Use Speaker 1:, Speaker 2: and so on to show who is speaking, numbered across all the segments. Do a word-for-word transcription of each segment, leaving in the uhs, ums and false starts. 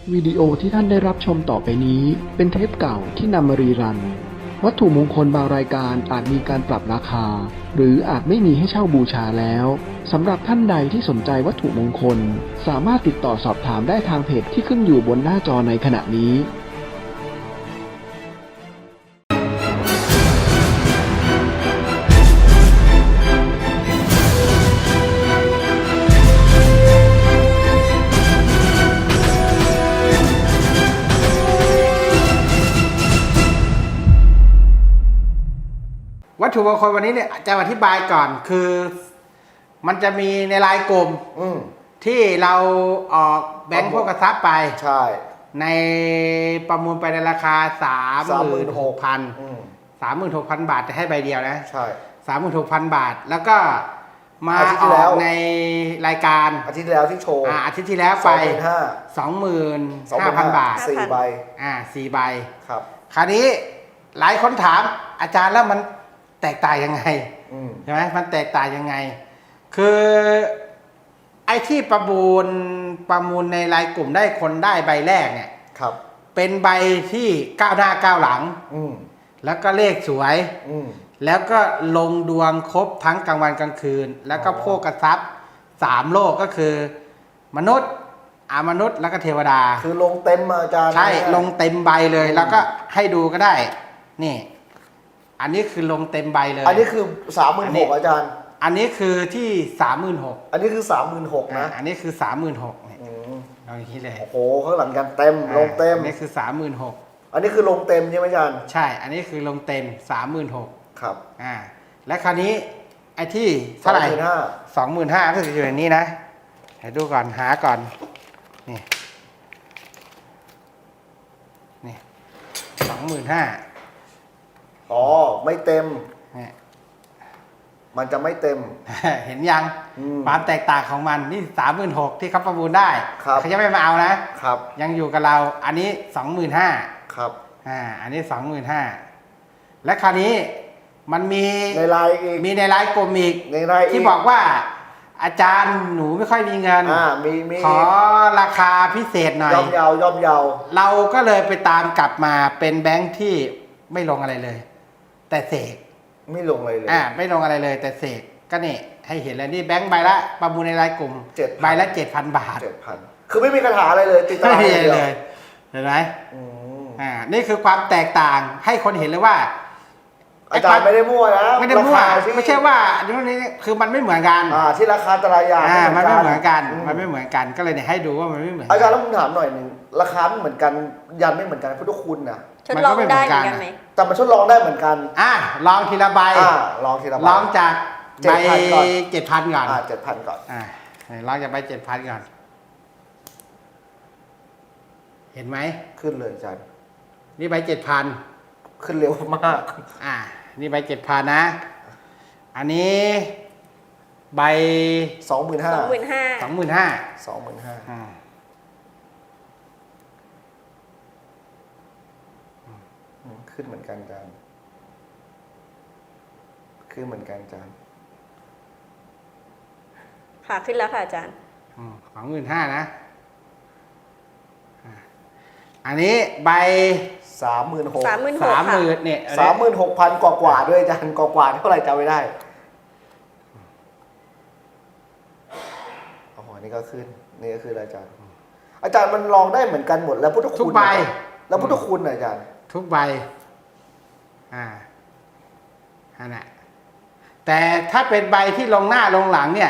Speaker 1: วิดีโอที่ท่านได้รับชมต่อไปนี้เป็นเทปเก่าที่นำมารีรันวัตถุมงคลบางรายการอาจมีการปรับราคาหรืออาจไม่มีให้เช่าบูชาแล้วสำหรับท่านใดที่สนใจวัตถุมงคลสามารถติดต่อสอบถามได้ทางเพจที่ขึ้นอยู่บนหน้าจอในขณะนี้
Speaker 2: วัตถุมงคลวันนี้เนี่ยจะอธิบายก่อนคือมันจะมีในรายกลุ่มที่เราออกแบงค์พวกกระซับไป
Speaker 3: ใช่
Speaker 2: ในประมูลไปในราคาสามหมื่นหกพันสามหมื่นหกพันบาทจะให้ใบเดียวนะใช่สามหมื่นหกพันบาทแล้วก็มาออกในรายการ
Speaker 3: อาทิตย์ที่แล้วที่โชว์
Speaker 2: อาทิตย์ที่แล้วไปสองหมื่นห้าพันบาท
Speaker 3: สี่ใบ
Speaker 2: อ่าสี่ใบ
Speaker 3: ครับ
Speaker 2: คราวนี้หลายคนถามอาจารย์แล้วมันแตกต่างยังไงใช่ไหมมันแตกต่างยังไงคือไอ้ที่ประมูลประมูลในรายกลุ่มได้คนได้ใบแรกเนี่ยครับเป็นใบที่ก้าวหน้าก้าวหลังแล้วก็เลขสวยแล้วก็ลงดวงครบทั้งกลางวันกลางคืนแล้วก็โภคทรัพย์สามโลกก็คือมนุษย์อามนุษย์แล้วก็เทวดา
Speaker 3: คือลงเต็มอาจารย์
Speaker 2: ใช่ลงเต็มใบเลยแล้วก็ให้ดูก็ได้นี่อันนี้คือลงเต็มใบเลย
Speaker 3: อันนี้คือสามหมื่นหกอาจารย์
Speaker 2: อันนี้คือที่สามหมื่นหก
Speaker 3: อันนี้คือสามหมื่นหกนะ
Speaker 2: อันนี้คือสามหมื่นหกเนี่ยเอาอย่างนี้เลย
Speaker 3: โอ้โหข้างหลังกันเต็มลงเต็ม
Speaker 2: อันนี้คือสามหมื่นหก
Speaker 3: อันนี้คือลงเต็มใช่ไหมอาจารย์
Speaker 2: ใช่อันนี้คือลงเต็มสามหมื่นหก
Speaker 3: ครับ
Speaker 2: อ่าและคราวนี้ไอ้ที่เท่าไหร่สองหมื่นห้าก็คืออยู่ในนี้นะให้ดูก่อนหาก่อนนี่นี่สองหมื่นห้า
Speaker 3: อ๋อไม่เต็มมันจะไม่เต็ม
Speaker 2: เห็นยังความแตกต่างของมันนี่สามหมื่นหกที่เขาประมูลได้เขาจะไม่มาเอานะครับยังอยู่กับเราอันนี้สองหมื่นห้า
Speaker 3: ครับ
Speaker 2: อ่าอันนี้สองหมื่นห้าและคราวนี้มันมี
Speaker 3: ในไลน์อีก
Speaker 2: มีในไลน์กลุ่มอีก
Speaker 3: ในไลน์
Speaker 2: ที่บอกว่าอาจารย์หนูไม่ค่อยมีเงิน
Speaker 3: อ่ามีมี
Speaker 2: ขอราคาพิเศษหน่อย
Speaker 3: ย่อมเยาย่อมเยา
Speaker 2: เราก็เลยไปตามกลับมาเป็นแบงค์ที่ไม่ลงอะไรเลยแต่เสก
Speaker 3: ไม่ลงอะไรเลย
Speaker 2: อ่าไม่ลงอะไรเลยแต่เสกก็นี่ให้เห็นแล้วนี่แบงค์ใบละประมูลในรายกลุ่มใบละเจ็ดพันบาท
Speaker 3: เจ็ดพันคือไม่มีคาถาอะไรเลยติดตาม
Speaker 2: เลยเห็นไหมอ่านี่คือความแตกต่างให้คนเห็นเลยว่า
Speaker 3: อาจารย์ไม่ได้มั่วนะ
Speaker 2: ไม่ได้มั่วไม่ใช่ว่าอันนี้คือมันไม่เหมือนกัน
Speaker 3: อ่าที่ราคาแต่ละอย่าง
Speaker 2: อ่ามันไม่เหมือนกันมันไม่เหมือนกันก็เลยเนี่ยให้ดูว่ามันไม่เหมือน
Speaker 3: อาจารย์แล้วผมถามหน่อยหนึ่งราคาไม่เหมือนกันยันไม่เหมือนกันพุทธคุณนะ
Speaker 4: ทดลองได้เหมือนกันไหม
Speaker 3: แต่มันทดลองได้เหมือนกัน
Speaker 2: อ่าลองทีละใบ
Speaker 3: อ่าลองทีละใบ
Speaker 2: ลองจากใบเจ็ดพันก่อน
Speaker 3: อ่าเจ็ดพันก่อน
Speaker 2: อ่าลองจากใบเจ็ดพันก่อนเห็นไหม
Speaker 3: ขึ้นเลยอาจารย์
Speaker 2: นี่ใบเจ็ดพัน
Speaker 3: ขึ้นเร็วมาก
Speaker 2: อ่านี่ใบเจ็ดพันนะอันนี้ใบ
Speaker 3: สองหมื่นห้า
Speaker 4: สองหมื่นห้า
Speaker 2: สองหมื่นห้า
Speaker 3: สองหมื่นห้าขึ้นเหมือนกันอาจารย์ขึ้นเหมือนกันอาจารย์
Speaker 4: ค่ะขึ้นแล้วค่ะอาจารย์
Speaker 2: สองหมื่นห้านะอันนี้ใบ
Speaker 3: สามหมื่นหก
Speaker 4: สามหมื่น
Speaker 2: สามหมื่นเนี่ย
Speaker 3: สามหมื่นหกพันกว่ากว่าด้วยอาจารย์กว่ากว่าเท่าไหร่จำไม่ได้อ๋อนี่ก็ขึ้นนี่ก็คืออาจารย์อาจารย์มันลองได้เหมือนกันหมดแล้วพุทธคุณ
Speaker 2: ทุกใบ
Speaker 3: แล้วพุทธคุณอาจารย์
Speaker 2: ทุกใบอ่าอันนั้นแต่ถ้าเป็นใบที่ลงหน้าลงหลังเนี่ย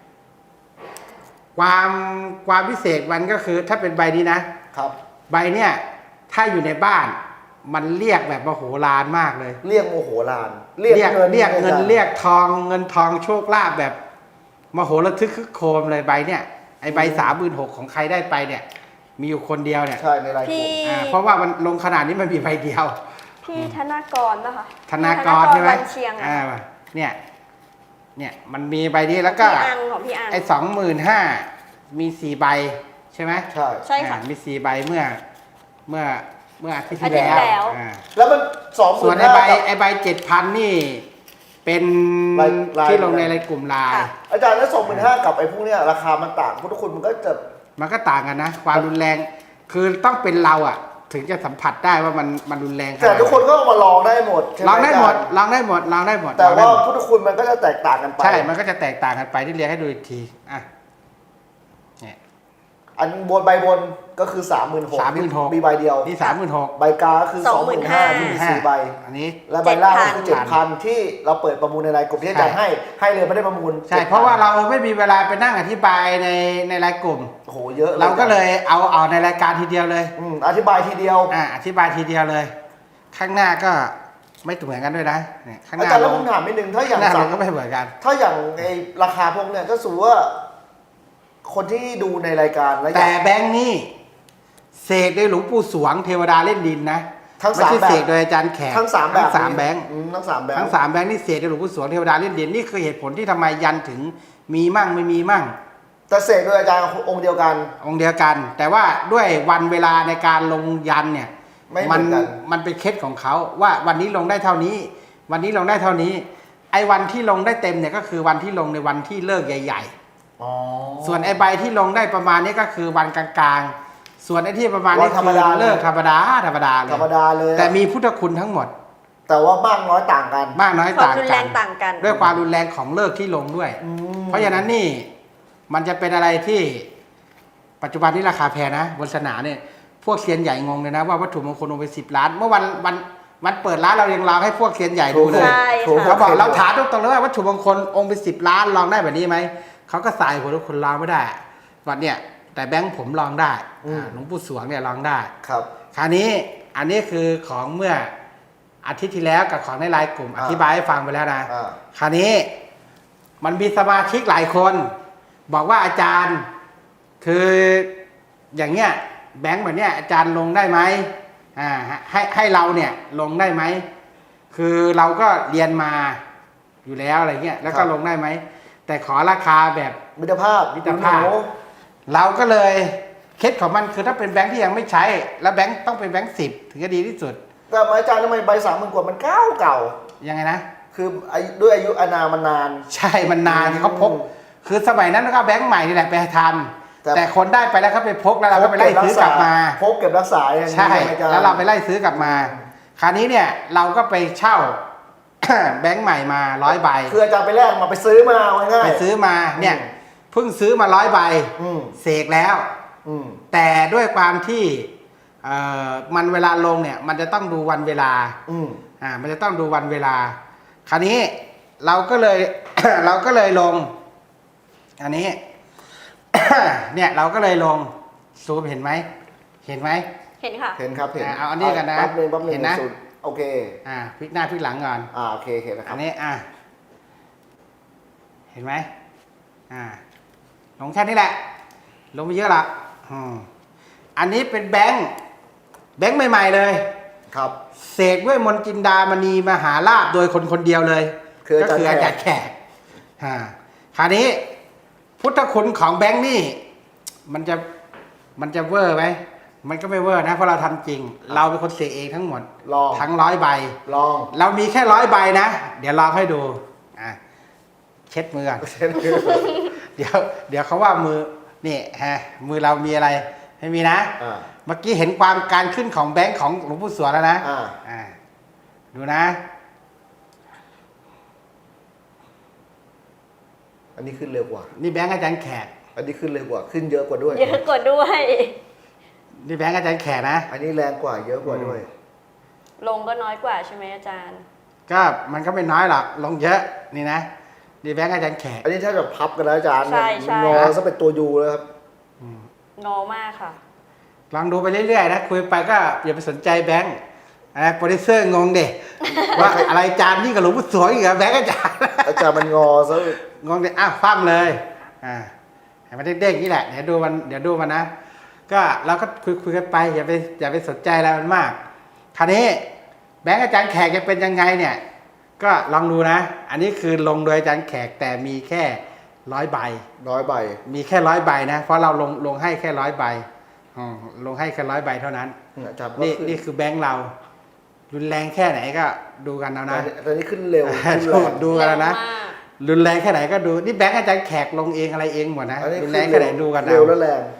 Speaker 2: ความความพิเศษมันก็คือถ้าเป็นใบนี้นะครับใบเนี่ยถ้าอยู่ในบ้านมันเรียกแบบมโหฬารมากเลย
Speaker 3: เรียกโมโหฬาร
Speaker 2: เรียกเงินเรียกเงินเรียกทองเงินทองโชคลาภแบบมโหระทึกคึกโครมเลยใบเนี่ยไอใบสามหมื่นหกของใครได้ไปเนี่ยมีอยู่คนเดียวเนี่ย
Speaker 3: ใช่ในรายกลุ่ม
Speaker 2: อ่าเพราะว่ามันลงขนาดนี้มันมีใบเดียว
Speaker 4: พี่ธนากรนะคะ
Speaker 2: ธนากรใช่ไหมอ่าเนี่ยเนี่ยมันมีใบนี้แล้วก็ไอ้สองหมื่นห้ามีสี่ใบใช่ไหม
Speaker 3: ใช่
Speaker 4: ใช่ค่ะ
Speaker 2: มีสี่ใบเมื่อเมื่อเมื่ออาทิตย์ที่แล้ว
Speaker 3: แล้วมันสอง
Speaker 2: ส่วนไอ้ใบไอ้ใบเจ็ดพันนี่เป็นที่ลงในรายกลุ่มไลน์
Speaker 3: อาจารย์แล้วสองหมื่นห้ากับไอ้พวกเนี้ยราคามันต่างพุทธคุณมันก็จะ
Speaker 2: มันก็ต่างกันนะความรุนแรงคือต้องเป็นเราอ่ะ ถึงจะสัมผัสได้ว่ามันมันรุนแรง
Speaker 3: แต่ทุกคนก็เอามาลองได้หมดใช่ไหม
Speaker 2: ลองได้หมด
Speaker 3: อาจารย์
Speaker 2: ลองได้หมดลองได้หมด
Speaker 3: แต่
Speaker 2: ลองได้
Speaker 3: ว่า
Speaker 2: หมด
Speaker 3: พุทธคุณมันก็จะแตกต่างกันไป
Speaker 2: ใช่ มันก็จะแตกต่างกันไปที่เรียนให้ดูอีกทีอ่ะเนี่ย
Speaker 3: อันบนใบบนก็คือสามหมื่นหก
Speaker 2: สามหมื่นหก
Speaker 3: มีใบเดียว
Speaker 2: นี่สามหมื่นหก
Speaker 3: ใบกาก็คือสองหมื่นห้าที่มีสี่ใบ
Speaker 2: อันนี้
Speaker 3: และใบล่างก็คือ
Speaker 2: เจ็
Speaker 3: เจ็
Speaker 2: ด
Speaker 3: ด
Speaker 2: พั
Speaker 3: พั
Speaker 2: น
Speaker 3: นที่เราเปิดประมูลในรายกลุ่มที่อาจารย์ให้ให้เลยไม่ได้ประมูล
Speaker 2: ใช่ เพราะว่าเราไม่มีเวลาไปนั่งอธิบายในในรายกลุ่ม
Speaker 3: โอ้โหเยอะ
Speaker 2: เราก็เลยเอาเอาในรายการทีเดียวเลย
Speaker 3: อืมอธิบายทีเดียว
Speaker 2: อ่าอธิบายทีเดียวเลย ข้างหน้าก็ไม่เหมือนกันด้วยนะเนี่ยข้างห
Speaker 3: อา
Speaker 2: น้า
Speaker 3: จารย์แล้ว
Speaker 2: ล
Speaker 3: ผ
Speaker 2: ง
Speaker 3: มถามนิดนึงถ้าอย่าง
Speaker 2: ข้างหน้าล
Speaker 3: สาง ม
Speaker 2: ก็ไม่เหมือนกัน
Speaker 3: ถ้าอย่างในราคาพวกเนี้ยก็สูว่า คนที่ดูในรายการแล้ว
Speaker 2: แต่แบงค์นี่เสกโดยหลวงปู่สวงเทวดาเล่นดินนะ
Speaker 3: ทั้ง
Speaker 2: ไม่
Speaker 3: สาม
Speaker 2: ใช่
Speaker 3: แบ
Speaker 2: เส
Speaker 3: บ
Speaker 2: กโดยอาจารย์แขก
Speaker 3: ทั้งสามแบบ
Speaker 2: ทั้งสามแบงค์
Speaker 3: อืมทั้งสามแบบ
Speaker 2: ทั้งสามแบงค์นี่เสกโดยหลวงปู่สวงเทวดาเล่นดินนี่คือเหตุผลที่ทำไมยันถึงมีมั่งไม่มีมั่ง
Speaker 3: แต่เสกโดยอาจารย์องค์เดียวกัน
Speaker 2: องค์เดียวกัน แต่ว่าด้วยวันเวลาในการลงยันเนี่ย
Speaker 3: ไม่เหมื
Speaker 2: มั
Speaker 3: อนกัน
Speaker 2: มันเป็นเคล็ดของเขาว่าวันนี้ลงได้เท่านี้ วันนี้ลงได้เท่านี้ ไอ้วันที่ลงได้เต็มเนี่ยก็คือวันที่ลงในวันที่เลิกใหญ่
Speaker 3: อ๋อ
Speaker 2: ๆ ส่วนไอ้ใบที่ลงได้ประมาณนี้ก็คือวันกลางๆ ส่วนไอ้ที่ประมาณนี้
Speaker 3: วันธรรม
Speaker 2: คือ
Speaker 3: ดา
Speaker 2: เลิกธรรมดาธรรมดาเลย
Speaker 3: ธรรมดาเลย
Speaker 2: แต่มีพุทธคุณทั้งหมด
Speaker 3: แต่ว่ามากน้อยต่างกัน
Speaker 2: มากน้อย
Speaker 4: ความ
Speaker 2: ต่าง
Speaker 4: รุนแร
Speaker 2: กัน
Speaker 4: งต่างกัน
Speaker 2: ด้วยความรุนแรงของเลิกที่ลงด้วย
Speaker 3: อืม
Speaker 2: เพราะฉะนั้นนี่มันจะเป็นอะไรที่ปัจจุบันนี้ราคาแพงนะบนสนามเนี่ยพวกเซียนใหญ่งงเลยนะว่าวัตถุมงคลลงไปสิบล้าน เมื่อวันวันวันเปิดร้านเรายังลองให้พวกเซียนใหญ่ดูเลย
Speaker 4: ใช่
Speaker 3: ถูก
Speaker 4: ค่ะ
Speaker 2: เขาบอกเราถามตรงๆเลยว่าวัตถุมงคลองค์เป็นสิบล้านลองได้แบบนี้ไหมเขาก็สายหัวทุกคนลองไม่ได้วันเนี่ยแต่แบงค์ผมลองได้อ่าหลวงปู่สวงเนี่ยลองได้
Speaker 3: ครับ
Speaker 2: คราวนี้อันนี้คือของเมื่ออาทิตย์ที่แล้วกับของในไลน์กลุ่มอธิบายให้ฟังไปแล้วนะ
Speaker 3: อ่า
Speaker 2: คราวนี้มันมีสมาชิกหลายคน บอกว่าอาจารย์คืออย่างเงี้ยแบงค์แบบเนี้ยอาจารย์ลงได้ไหมอ่าให้ให้เราเนี่ยลงได้ไหมคือเราก็เรียนมาอยู่แล้วอะไรเงี้ยแล้วก็ลงได้ไหมแต่ขอราคาแบบ
Speaker 3: มิตรภาพ
Speaker 2: มิตรภาพ
Speaker 3: หนู
Speaker 2: เราก็เลยเคล็ดของมันคือถ้าเป็นแบงค์ที่ยังไม่ใช้ แล้วแบงค์ต้องเป็นแบงค์สิบถึงจะดีที่สุด
Speaker 3: แต่อาจารย์ทำไมใบสามหมื่นกว่ามันเก่าเก่า
Speaker 2: ยังไงนะ
Speaker 3: คืออายุด้วยอายุอานามมันนาน
Speaker 2: ใช่มันนานเขาพก คือสมัยนั้นก็แบงค์ใหม่นี่แหละไปทำ
Speaker 3: แต่
Speaker 2: แต่คนได้ไปแล้วเขาไปพกแล้วเราก็ไปไล่ซื้อกลับมา
Speaker 3: พกเก็บรักษาอย่างนี้
Speaker 2: ใช่
Speaker 3: ไหมอาจารย์
Speaker 2: แล้วเราไปไล่ซื้อกลับมา คราวนี้เนี่ยเราก็ไปเช่า แบงค์ใหม่มาร้อยใบ
Speaker 3: คืออาจารย์ไปแลกมาไปซื้อมาเอาง่ายๆ
Speaker 2: ไปซื้อมาเนี่ย
Speaker 3: อืม
Speaker 2: เพิ่งซื้อมาร้อยใบ
Speaker 3: อืม
Speaker 2: เสกแล้ว
Speaker 3: อืม
Speaker 2: แต่ด้วยความที่เอ่อมันเวลาลงเนี่ยมันจะต้องดูวันเวลา
Speaker 3: อืม
Speaker 2: อ่ามันจะต้องดูวันเวลา คราวนี้เราก็เลย เราก็เลยลง อันนี้ เนี่ยเราก็เลยลงซูมเห็นไหมเห็นไหม
Speaker 4: เห็นค่ะ
Speaker 3: เห็นครับเห็น
Speaker 2: อ่าเอาอันนี้กันนะ
Speaker 3: แป๊บนึงแป๊บนึง
Speaker 2: เห็นนะ
Speaker 3: สุดโอเค
Speaker 2: อ่าพลิกหน้าพลิกหลังก่อน
Speaker 3: อ่าโอเคเห็นแล้วค
Speaker 2: อั
Speaker 3: รับ
Speaker 2: นนี้อ่าเห็นไหมอ่าลงแค่นี้แหละ ลงไปเยอะละอืมอันนี้เป็นแบงค์แบงค์ใหม่ๆเลย
Speaker 3: ครับ
Speaker 2: เสกด้วยมนต์จินดามณีมหาลาภโดยคนคนเดียวเลย
Speaker 3: คืออา
Speaker 2: ก็
Speaker 3: จารย์
Speaker 2: คืออาจารย์แขกอ่าคราวนี้ พุทธคุณของแบงค์นี่ มันจะมันจะเวอร์ไหมมันก็ไม่เวอร์นะเพราะเราทำจริง เราเป็นคนเสกเองทั้งหมด
Speaker 3: ลอง
Speaker 2: ทั้งร้อยใบ
Speaker 3: ลอง
Speaker 2: เรามีแค่ร้อยใบนะ เดี๋ยวลองให้ดูอ่ะเช็ดมือก่อน
Speaker 3: เช่นคือ
Speaker 2: เดี๋ยว เดี๋ยวเขาว่ามือนี่ฮะมือเรามีอะไรไม่มีนะ
Speaker 3: อ่า
Speaker 2: เมื่อกี้เห็นความการขึ้นของแบงค์ของหลวงปู่สวงแล้วนะ
Speaker 3: อ่า
Speaker 2: อ่าดูนะ
Speaker 3: อันนี้ขึ้นเร็วกว่า
Speaker 2: นี่แบงค์อาจารย์แขก
Speaker 3: อันนี้ขึ้นเร็วกว่าขึ้นเยอะกว่าด้วย
Speaker 4: เยอะกว่าด้วย
Speaker 2: นี่แบงค์อาจารย์แขกนะ
Speaker 3: อันนี้แรงกว่าเยอะกว่าด้วย
Speaker 4: ลงก็น้อยกว่าใช่ไหมอาจารย์
Speaker 2: ก็มันก็ไม่น้อยหรอกลงเยอะนี่นะนี่แบงค์อาจารย์แขก
Speaker 3: อันนี้ถ้าจะพับกันแล้วอาจารย์
Speaker 4: ใช่ใช่
Speaker 3: งอซะเป็นตัวยูแล้วครับ
Speaker 4: งอมากค่ะ
Speaker 2: ลองดูไปเรื่อยๆนะคุยไปก็อย่าไปสนใจแบงค์อะไรโปรดิวเซอร์งงเด็ ว่าอะไรอาจารย์นี่กับหลวงปู่สวงอีกเหรอแบงค์อาจารย์
Speaker 3: อาจารย์มันงอซะ
Speaker 2: งงเด็อ้าวฟั่มเลยอ่าให้มันเด้งๆนี่แหละเดี๋ยวดูมันเดี๋ยวดูมันนะก็เราก็คุยคุยกันไปอย่าไปอย่าไปสนใจอะไรมันมากคราวนี้แบงค์อาจารย์แขกจะเป็นยังไงเนี่ย ก็ลองดูนะ อันนี้คือลงโดยอาจารย์แขกแต่มีแค่ร้อยใบ
Speaker 3: น้อยใบ
Speaker 2: มีแค่ร้อยใบนะ เพราะเราลงลงให้แค่ร้อยใบอืมลงให้แค่ร้อยใบเท่านั้น
Speaker 3: อาจารย์ก็
Speaker 2: นี่
Speaker 3: ขึ้น
Speaker 2: นี่คือแบงค์เรา รุนแรงแค่ไหนก็ดูกันเอา
Speaker 3: ตอ
Speaker 2: นะ
Speaker 3: นนี้ตอนนี้ขึ้นเร็วขึ้น
Speaker 2: ดู
Speaker 3: แรง
Speaker 2: ดูกันเอานะ
Speaker 4: เร็วมาก
Speaker 2: รุนแรงแค่ไหนก็ดูนี่แบงค์อาจารย์แขกลงเองอะไรเองหมดนะ
Speaker 3: อันนี้
Speaker 2: รุน
Speaker 3: ขึ้น
Speaker 2: แรงแค่ไหนดูกัน
Speaker 3: เร็วและแรง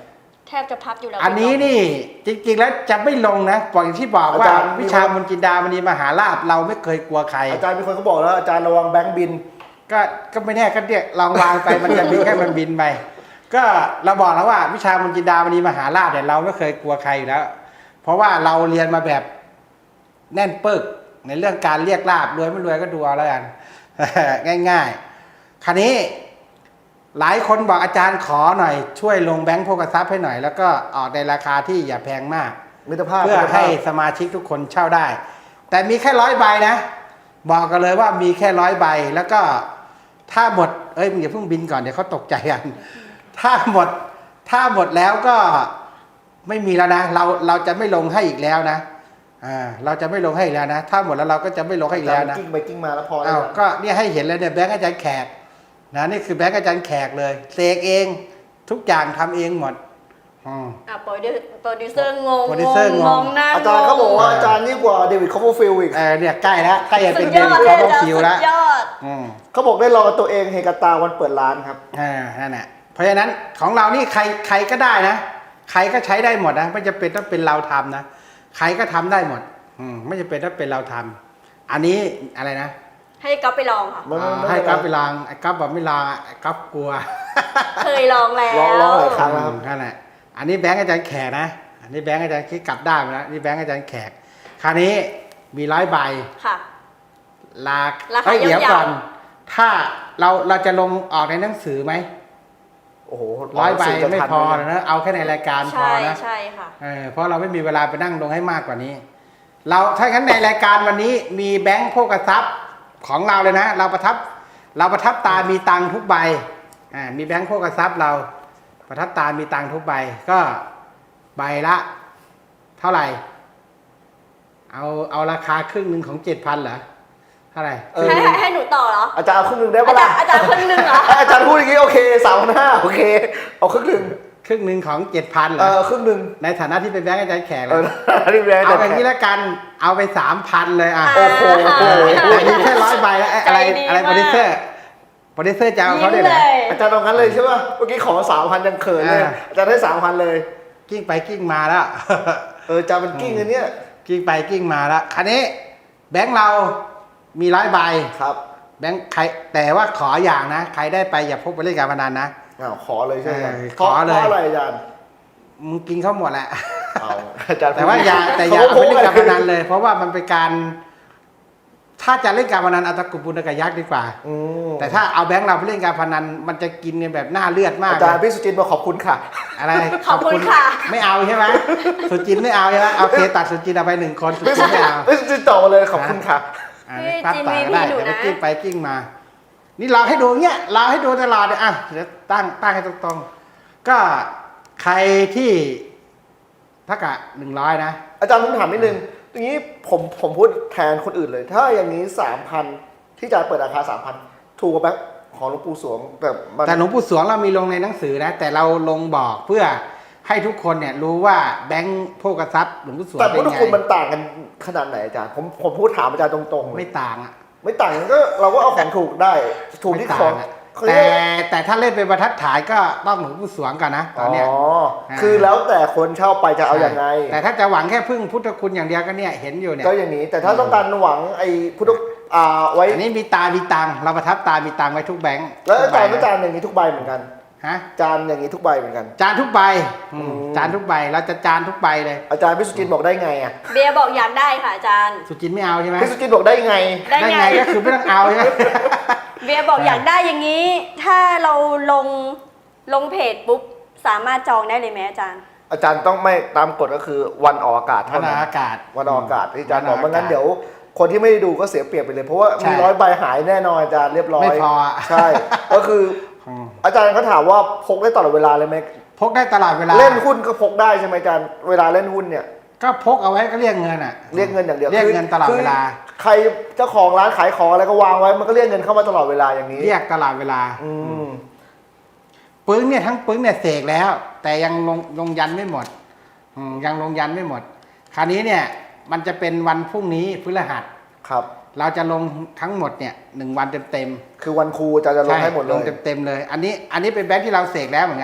Speaker 4: แทบจะพับอยู่แล้ว
Speaker 2: อันนี้นี่จริงๆแล้วจะไม่ลงนะบอกอย่างที่บอกว่า
Speaker 3: อาจารย์
Speaker 2: วิชามนต์จินดามณีมหาลาภเราไม่เคยกลัวใคร
Speaker 3: อาจารย์มีคนเขาบอกแล้วอาจารย์ระวังแบงค์บิน
Speaker 2: ก็ก็ไม่แน่ก็เนี่ยลองวางไป มันจะบินแค่มันบินไปก็เราบอกแล้วว่าวิชามนต์จินดามณีมหาลาภเนี่ยเราไม่เคยกลัวใครอยู่แล้ว เพราะว่าเราเรียนมาแบบแน่นปึกในเรื่องการเรียกลาบรวยไม่รวยก็ดูเอาแล้วกัน ง่ายๆคราวนี้หลายคนบอกอาจารย์ขอหน่อยช่วยลงแบงค์โภคทรัพย์ให้หน่อยแล้วก็ออกในราคาที่อย่าแพงมาก
Speaker 3: มิตรภาพ
Speaker 2: เพื่อ
Speaker 3: มิตรภาพ
Speaker 2: ให้สมาชิกทุกคนเช่าได้ แต่มีแค่ร้อยใบนะบอกกันเลยว่ามีแค่ร้อยใบแล้วก็ถ้าหมดเอ้ยมึงอย่าเพิ่งบินก่อนเดี๋ยวเขาตกใจกันถ้าหมดถ้าหมดแล้วก็ไม่มีแล้วนะเราเราจะไม่ลงให้อีกแล้วนะอ่าเราจะไม่ลงให้อีกแล้วนะถ้าหมดแล้วเราก็จะไม่ลงให้อีกแล้วนะ
Speaker 3: กิ้งไปกิ้งมาแล้วพอแล้
Speaker 2: อ้าว วก็เนี่ยให้เห็นเลยเนี่ยแบงค์อาจารย์แขกนะนี่คือแบงค์อาจารย์แขกเลยเสกเองทุกอย่างทำเองหมดอืม
Speaker 4: อ่ะโปรดิวโปรดิวเซอร์งง
Speaker 2: โปรดิวเซอร์งง
Speaker 4: มองหน้า
Speaker 3: อาจารย์เขาบอกว่าอาจารย์ยิ่งกว่าเดวิดคอปเปอร์ฟิลด์อีก
Speaker 2: เออเนี่ยใกล้แล้วใกล้จะ
Speaker 4: สุ
Speaker 2: เป็น
Speaker 4: ด
Speaker 2: เด
Speaker 4: ยอ
Speaker 2: วิ
Speaker 4: ด
Speaker 2: ด
Speaker 4: เล
Speaker 2: คอย ปเปอ
Speaker 4: อา
Speaker 2: ร์
Speaker 4: จาร
Speaker 2: ฟิ
Speaker 4: ย์
Speaker 2: ล
Speaker 4: สุ
Speaker 2: แล้ว
Speaker 4: ดยอด
Speaker 2: อืม
Speaker 3: เขาบอกได้ลองกับตัวเองเฮกาตาวันเปิดร้านครับ
Speaker 2: อ่านั่นแหละเพราะฉะนั้นของเรานี่ใครใครก็ได้นะใครก็ใช้ได้หมดนะไม่จำเป็นต้องเป็นเราทำนะใครก็ทำได้หมดอืมไม่จำเป็นต้องเป็นเราทำอันนี้อะไรนะ
Speaker 4: ให้ก๊อฟไปลองค่ะ
Speaker 3: มัน
Speaker 2: อ่า
Speaker 3: มัน
Speaker 2: ให้
Speaker 3: มัน
Speaker 2: กัฟไปลองไอ้กัฟบอกไม่ลองไอ้กัฟกลัว
Speaker 4: เคยลองแล้ว
Speaker 3: ลองลองหลายครั้งแล้วครับ
Speaker 2: นั่นแหละอันนี้แบงค์อาจารย์แขกนะอันนี้แบงค์อาจารย์คิดกลับด้านไปแล้วนี่แบงค์อาจารย์แขกคราวนี้มีร้อยใบ
Speaker 4: ค่ะ
Speaker 2: ลา
Speaker 4: ราคา
Speaker 2: เอ้ยเดี๋ยวย
Speaker 4: าวๆ
Speaker 2: ก่อน ถ้าเราเราจะลงออกในหนังสือไหม
Speaker 3: โอ้โห
Speaker 2: ร้อยใบ
Speaker 3: สื่จะ
Speaker 2: ไม่
Speaker 3: ทัน
Speaker 2: พอ
Speaker 3: ห
Speaker 2: นะเอาแค่ในรายการพอ
Speaker 4: ใช่
Speaker 2: นะ
Speaker 4: ใช่ค่ะ
Speaker 2: เออเพราะเราไม่มีเวลาไปนั่งลงให้มากกว่านี้ เราถ้างั้นในรายการวันนี้มีแบงค์โภคทรัพย์ของเราเลยนะ เราประทับเราประทับตามีตังค์ทุกใบอ่ามีแบงค์โภคทรัพย์เราประทับตามีตังค์ทุกใบก็ใบละ เท่าไหร่ เอาเอาราคาครึ่งหนึ่งของเจ็ดพันเหรอเท่าไหร่
Speaker 3: เออ
Speaker 4: ให้ให้ให้หนูต่อเหรอ
Speaker 3: อาจารย์เอาครึ่งหนึ่งได้
Speaker 4: อา
Speaker 3: ปะ
Speaker 4: จา
Speaker 3: ล่ะ
Speaker 4: รย์อาจารย์คนหนึ่งเหรอ
Speaker 3: อาจารย์พูดอย่างนี้โอเคสามพันห้าโอเค เอาครึ่งหนึ่ง
Speaker 2: ครึ่งหนึ่งของเจ็ดพันเหร
Speaker 3: เอ
Speaker 2: อ
Speaker 3: อครึ่งหนึ่ง
Speaker 2: ในฐานะที่เป็นแบงค์อาจารย์แขก
Speaker 3: เอ
Speaker 2: แล้
Speaker 3: อ
Speaker 2: ว
Speaker 3: นี่แบงค์
Speaker 2: เอา
Speaker 3: แต่
Speaker 2: แบบนี้แล้วกันเอาไปสามพันเลยอ่ะ
Speaker 4: โอ้โห
Speaker 2: แต่มีแค่ร้อยใบแล้วอะไร
Speaker 4: ใจดี
Speaker 2: อะไร
Speaker 4: มาก
Speaker 2: โปรดิวเซอร์โปรดิวเซอร์จะเอาเขาได้
Speaker 4: ยิ้ม
Speaker 2: เหร
Speaker 4: เล
Speaker 2: อย
Speaker 3: อาจารย์เอางั้นเลยใช่ป่ะเมื่อกี้ขอสามพันยังเขินเลย
Speaker 2: อ่า
Speaker 3: อาจารย์ได้สามพันเลย
Speaker 2: กิ้งไปกิ้งมาแล้ว
Speaker 3: เอออาจารย์มันกิ้งอันเนี้ย
Speaker 2: กิ้งไปกิ้งมาแล้วคันนี้แบงค์เรามีร้อยใบ
Speaker 3: ครับ
Speaker 2: แบงค์ใครแต่ว่าขออย่างนะใครได้ไปอย่าพกไปเล่นการพนันนะ
Speaker 3: อ้าวขอเลยใช่ไหม
Speaker 2: เออ
Speaker 3: พราะ
Speaker 2: ขอเลย
Speaker 3: เพราะอะไรอาจารย์
Speaker 2: มึงกินเขาหมดแหละ
Speaker 3: เอาอาจารย์
Speaker 2: แต่ว่าอย่าแต่อย่าเอาไปเล่นการพนันเลย เพราะว่ามันเป็นการ ถ้าจะเล่นการพนันเอาตะกรุบบุญตะกยักษ์ดีกว่า
Speaker 3: อืม
Speaker 2: แต่ถ้าเอาแบงค์เราไปเล่นการพนันมันจะกินกันแบบหน้าเลือดมาก
Speaker 3: อาจารย์
Speaker 2: เลย
Speaker 3: พี่สุจินต์บอกขอบคุณค่ะ
Speaker 2: อะไร
Speaker 4: ขอบคุณค่ะ
Speaker 2: ไม่เอาใช่ไหมสุจินไม่เอาใช่ไหมเอาเคตัดสุจินเอาไปหนึ่งคนสุ
Speaker 3: พี่
Speaker 2: จิ
Speaker 3: สุ
Speaker 2: น
Speaker 3: จิ
Speaker 2: ไม่
Speaker 3: น
Speaker 2: เอา
Speaker 3: พี่สุจินต์ตอบมาเลยขอบคุณค่ะ
Speaker 2: อ่า
Speaker 4: พี่
Speaker 2: ปั๊บ
Speaker 4: จิน
Speaker 2: ต่อ
Speaker 4: มี
Speaker 2: ก็ได้
Speaker 4: พี่หนู
Speaker 2: เดี๋ยวไป
Speaker 4: นะ
Speaker 2: กิ้งไปกิ้งมา นี่เราให้ดูเนี้ยเราให้ดูตลอดเลยอ่ะเดี๋ยวตั้งตั้งให้ตรงๆก็ใครที่ถ้ากะหนึ่งร้อยนะ
Speaker 3: อาจารย์ผมถามนิดนึงอย่างนี้ผมผมพูดแทนคนอื่นเลย ถ้าอย่างนี้สามพันที่อาจารย์เปิดราคาสามพันถูกกว่าแบงค์ของหลวงปู่สวงแต่มัน
Speaker 2: แต่หลวงปู่สวงเรามีลงในหนังสือนะ แต่เราลงบอกเพื่อให้ทุกคนเนี่ยรู้ว่าแบงค์โภคทรัพย์หลวงปู่สวง
Speaker 3: แต่
Speaker 2: เป็
Speaker 3: พุท
Speaker 2: น
Speaker 3: ธ
Speaker 2: ไง
Speaker 3: คุณมันต่างกันขนาดไหนอาจารย์ผมผมพูดถามอาจารย์ตรงๆเลย
Speaker 2: ไม่ต่างอ่ะ
Speaker 3: ไม่ต่างกันก็เราก็เอาของถูกได้ถูกที่
Speaker 2: ไม่
Speaker 3: ขอ
Speaker 2: ต่าง
Speaker 3: ง
Speaker 2: อะ
Speaker 3: เขา
Speaker 2: แต่
Speaker 3: เรียก
Speaker 2: แต่ถ้าเล่นเป็นบรรทัดฐานก็ต้องหลวงปู่สวงก่อนนะต
Speaker 3: อ๋
Speaker 2: อนเนี้ย
Speaker 3: อ
Speaker 2: อ่า
Speaker 3: คือแล้วแต่คนเช่าไปจะเอาอย่างไง
Speaker 2: แต่ถ้าจะหวังแค่พึ่งพุทธคุณอย่างเดียวก็เนี่ยเห็นอยู่เนี่ย
Speaker 3: ก็อย่างนี้ แต่ถ้าต้องการหวังไอ้พุทธอ่าไว้
Speaker 2: อันนี้มีตา มีตังค์เราประทับตา มีตังค์ไว้ทุกแบงค์
Speaker 3: แล้วอาจารย์
Speaker 2: ทุ
Speaker 3: ไม่
Speaker 2: กใบ
Speaker 3: จานอย่างนี้ทุกใบเหมือนกัน
Speaker 2: ฮะ
Speaker 3: จานอย่างนี้ทุกใบเหมือนกัน
Speaker 2: จานทุกใบอืม
Speaker 3: อืม
Speaker 2: จานทุกใบเราจะจานทุกใบเลย
Speaker 3: อาจารย์พิสุจินบอกได้ไงอ่ะ
Speaker 4: เบียร์บอกอยากได้ค่ะอาจารย์
Speaker 2: สุจินไม่เอาใช่ไหม
Speaker 3: พิสุจินบอกได้ไง
Speaker 4: ได้ไง
Speaker 2: ไงก็คือไม่ต้องเอาใช่ไหม
Speaker 4: เบียร์บอกอยากได้อย่างนี้ ถ้าเราลงลงเพจปุ๊บสามารถจองได้เลยไหมอาจารย์
Speaker 3: อาจารย์ต้องไม่ตามกฎก็คือวันออกอากาศ
Speaker 2: วั
Speaker 3: เท่าน
Speaker 2: อ
Speaker 3: นั้
Speaker 2: อก
Speaker 3: น
Speaker 2: อากาศ
Speaker 3: วันออกอากาศที่อาจารย์บอก
Speaker 2: วันออก
Speaker 3: ไม่งั้น
Speaker 2: อากาศ
Speaker 3: เดี๋ยว คนที่ไม่ได้ดูก็เสียเปรียบไปเลย เพราะว่า
Speaker 2: ใช่
Speaker 3: มีร้อยใบหายแน่นอนอาจารย์เรียบร้อย
Speaker 2: ไม่พอ
Speaker 3: ใช่ ก็คือ
Speaker 2: อืม
Speaker 3: อาจารย์เขาถามว่าพกได้ตลอดเวลาเลยไหม
Speaker 2: พกได้ตลอดเวลา
Speaker 3: เล่นหุ้นก็พกได้ใช่ไหมอาจารย์เวลาเล่นหุ้นเนี่ย
Speaker 2: ก็พกเอาไว้ก็เรียกเงินอ่ะ
Speaker 3: เรียกเงินอย่างเดียว
Speaker 2: เรียกเงินตลอด
Speaker 3: คื
Speaker 2: เวลา
Speaker 3: ใครเจ้าของร้านขายของอะไรก็วางไว้มันก็เรียกเงินเข้ามาตลอดเวลาอย่างนี้
Speaker 2: เรียกตลอดเวลา
Speaker 3: อืม
Speaker 2: ปึ้งเนี่ยทั้งปึ้งเนี่ยเสกแล้ว แต่ยังลงลงยันไม่หมดอืมยังลงยันไม่หมด คราวนี้เนี่ยมันจะเป็นวันพรุ่งนี้พฤหัส
Speaker 3: ครับ
Speaker 2: เราจะลงทั้งหมดเนี่ยหนึ่งวันเต็ม
Speaker 3: คือวันครูอาจารย์จะ
Speaker 2: ๆ
Speaker 3: ลงให้หมดเล
Speaker 2: ล
Speaker 3: ย
Speaker 2: งเต็มๆเลย อันนี้อันนี้เป็นแบงค์ที่เราเสกแล้วเหมือนกัน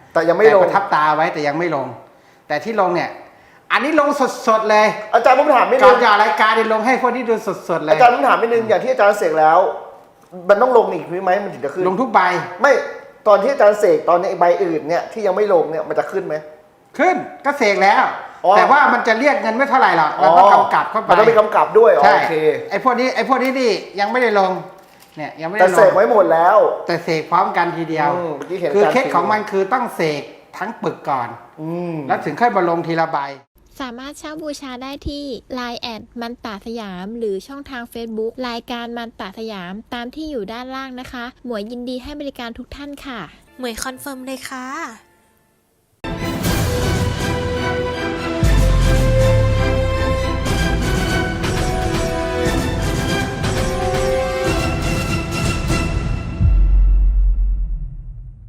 Speaker 3: แต่ยังไม่ลง
Speaker 2: แต่ประทับตาไว้แต่ยังไม่ลง แต่ที่ลงเนี่ย อันนี้ลงสดๆเลย
Speaker 3: อาจารย์ผมถามนิด
Speaker 2: ก่
Speaker 3: นึ
Speaker 2: อน
Speaker 3: ง
Speaker 2: จะออกรายการนี่ลงให้พวกนี้ดูสดๆเลย
Speaker 3: อาจารย์ผมถามนิดนึงอย่างที่อาจารย์เสกแล้ว มันต้องลงอีกไหมมันถึงจะขึ้น
Speaker 2: ลงทุกใบ
Speaker 3: ไม่ตอนที่อาจารย์เสกตอนนี้ใบอื่นเนี่ยที่ยังไม่ลงเนี่ยมันจะขึ้นไหม
Speaker 2: ขึ้นก็เสกแล้ว
Speaker 3: อ๋อ
Speaker 2: แต่ว่ามันจะเรียกเงินไม่เท่าไหร่หรอกเราต้องกำกับเข้าไป
Speaker 3: มันต้องมีกำกับด้วยอ๋อ
Speaker 2: ใช่
Speaker 3: โอเค
Speaker 2: ไอ้พวกนี้ไอ้พวกนี้นี่ยังไม่ได้ลงเนี่ยยังไม่
Speaker 3: แต่
Speaker 2: ได้ล
Speaker 3: เสก
Speaker 2: ง
Speaker 3: ไว้หมดแล้ว
Speaker 2: แต่เสกพร้อมกันทีเดียว
Speaker 3: อืมเมื่อกี้เห็น
Speaker 2: คือ
Speaker 3: อาจารย์
Speaker 2: เคสของมันคือต้องเสกทั้งปึกก่อน
Speaker 3: อืม
Speaker 2: แล้วถึงค่อยมาลงทีละใบ
Speaker 5: สามารถเช่าบูชาได้ที่ ไลน์ แอดมันตาสยาม หรือช่องทาง Facebook รายการมันตาสยามตามที่อยู่ด้านล่างนะคะ หมวยยินดีให้บริการทุกท่านค่ะ
Speaker 6: หมวยคอนเฟิร์มเลยค่ะ